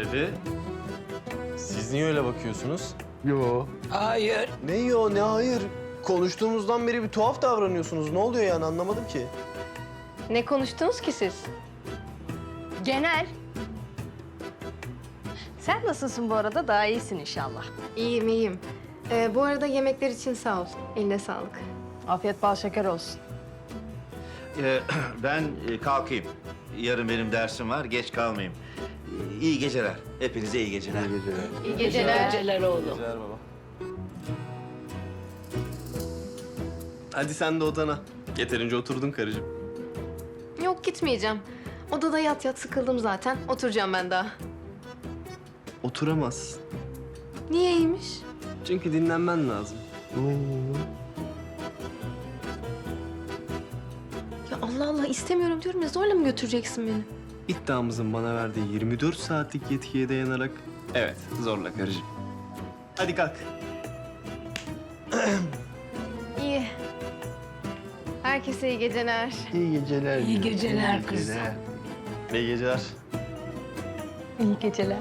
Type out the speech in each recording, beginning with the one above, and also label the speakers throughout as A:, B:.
A: Dede, siz niye öyle bakıyorsunuz?
B: Yo.
C: Hayır.
D: Ne yo ne hayır. Konuştuğumuzdan beri bir tuhaf davranıyorsunuz. Ne oluyor yani anlamadım ki.
E: Ne konuştunuz ki siz? Genel. Sen nasılsın bu arada? Daha iyisin inşallah.
F: İyiyim, iyiyim. Bu arada yemekler için sağ ol. Eline sağlık.
E: Afiyet bal şeker olsun.
G: Ben kalkayım. Yarın benim dersim var, geç kalmayayım. İyi geceler. Hepinize iyi geceler.
D: İyi geceler.
E: İyi geceler.
C: Geceler oğlum.
D: Geceler baba. Hadi sen de odana. Yeterince oturdun karıcığım.
F: Yok gitmeyeceğim. Odada yat yat sıkıldım zaten. Oturacağım ben daha.
D: Oturamaz.
F: Niyeymiş?
D: Çünkü dinlenmen lazım.
F: Ya Allah Allah istemiyorum diyorum ya zorla mı götüreceksin beni?
D: İddiamızın bana verdiği 24 saatlik yetkiye dayanarak evet zorla karıcığım. Hadi kalk.
F: İyi. Herkese iyi geceler.
D: İyi geceler.
C: İyi geceler kızım.
D: İyi geceler.
E: İyi geceler.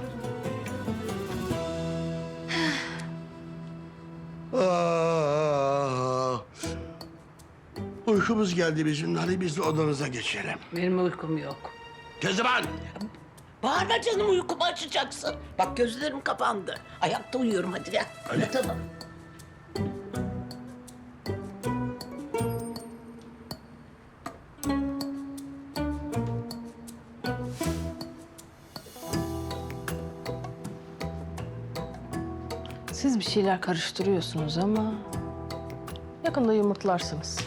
B: Uykumuz geldi bizim. Hadi biz de odanıza geçelim.
C: Benim uykum yok.
B: Kezban!
C: Bağırma canım, uykumu açacaksın. Bak gözlerim kapandı. Ayakta uyuyorum, hadi gel. Yatalım.
E: Siz bir şeyler karıştırıyorsunuz ama yakında yumurtlarsınız.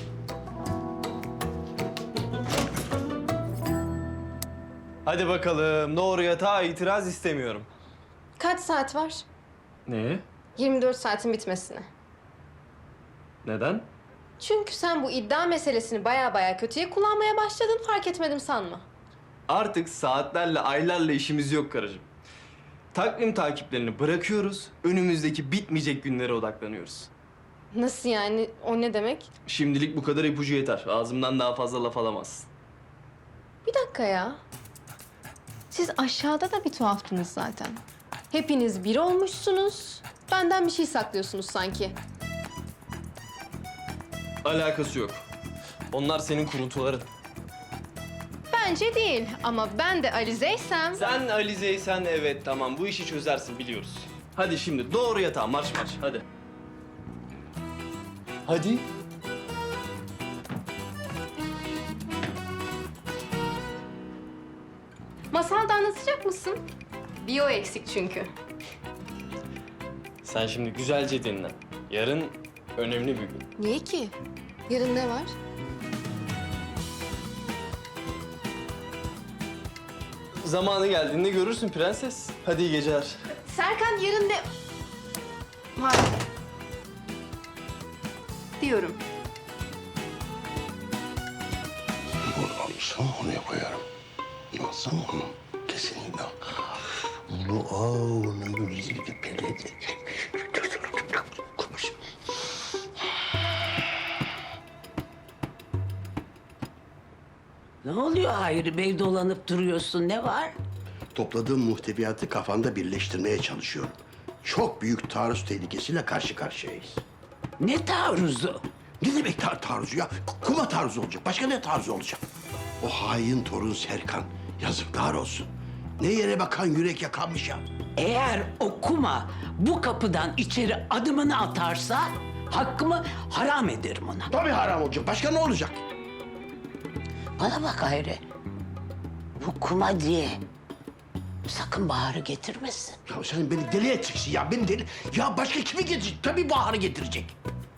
D: Hadi bakalım. Doğru yatağa itiraz istemiyorum.
F: Kaç saat var?
D: Ne?
F: 24 saatin bitmesine.
D: Neden?
F: Çünkü sen bu iddia meselesini baya kötüye kullanmaya başladın fark etmedim sanma.
D: Artık saatlerle, aylarla işimiz yok karıcığım. Takvim takiplerini bırakıyoruz, önümüzdeki bitmeyecek günlere odaklanıyoruz.
F: Nasıl yani? O ne demek?
D: Şimdilik bu kadar ipucu yeter. Ağzımdan daha fazla laf alamazsın.
F: Bir dakika ya. Siz aşağıda da bir tuhaftınız zaten. Hepiniz bir olmuşsunuz. Benden bir şey saklıyorsunuz sanki.
D: Alakası yok. Onlar senin kuruntuların.
F: Bence değil ama ben de Alize'ysem...
D: Sen Alize'ysen evet tamam bu işi çözersin biliyoruz. Hadi şimdi doğru yatağa marş hadi. Hadi.
F: Masal da anlatacak mısın? Bir o eksik çünkü.
D: Sen şimdi güzelce dinle. Yarın önemli bir gün.
F: Niye ki? Yarın ne var?
D: Zamanı geldiğinde görürsün prenses. Hadi iyi geceler.
F: Serkan yarın ne... Var. Diyorum.
B: Bunu alırsam oraya koyarım. Yemezsem onu kesinlikle. Bunu ne güzel peledi. Konuş.
C: Ne oluyor Hayri Bey, dolanıp duruyorsun, ne var?
B: Topladığım muhteviyatı kafamda birleştirmeye çalışıyorum. Çok büyük taarruz tehlikesiyle karşı karşıyayız.
C: Ne taarruzu?
B: Ne demek taarruzu ya? Kuma taarruzu olacak. Başka ne taarruzu olacak? O hain torun Serkan. Yazıklar olsun. Ne yere bakan yürek yakanmış ya.
C: Eğer o kuma bu kapıdan içeri adımını atarsa hakkımı haram ederim ona.
B: Tabii haram olacak. Başka ne olacak?
C: Bana bak Hayri. Bu kuma diye sakın Bahar'ı getirmesin.
B: Ya sen beni deli edeceksin ya. Beni deli... Ya başka kimi getirecek? Tabii Bahar'ı getirecek.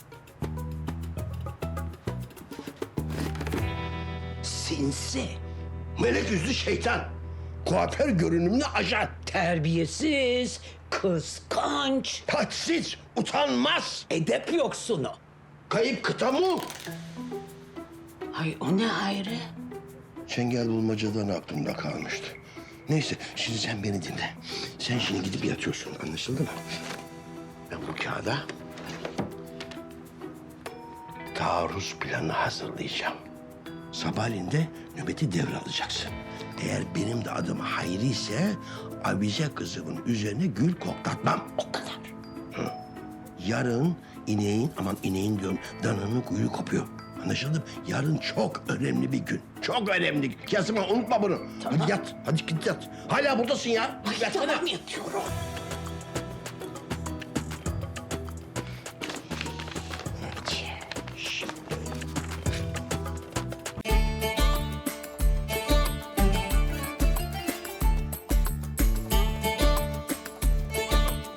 C: Sinsi,
B: Melek yüzlü şeytan. Kuaför görünümlü ajan.
C: terbiyesiz, kıskanç,
B: Taçsiz, utanmaz.
C: edep yoksunu.
B: Kayıp kıta mı?
C: Ay o ne Hayri?
B: Çengel bulmacadan aklımda kalmıştı. Neyse, şimdi sen beni dinle. Sen şimdi gidip yatıyorsun, anlaşıldı mı? Ben bu kağıda taarruz planı hazırlayacağım. Sabahleyin de nöbeti devralacaksın. Eğer benim de adım Hayri ise avize kızımın üzerine gül koklatmam. O kadar. Hı. Yarın ineğin diyorum, dananın kuyruğu kopuyor. Anlaşıldı mı? Yarın çok önemli bir gün. Çok önemli. Yasemin unutma bunu. Hadi yat. Hadi git yat. Hala buradasın ya. Yatsana.
C: Tamam yatıyorum.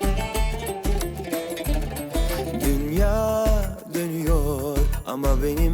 H: Dünya dönüyor ama benim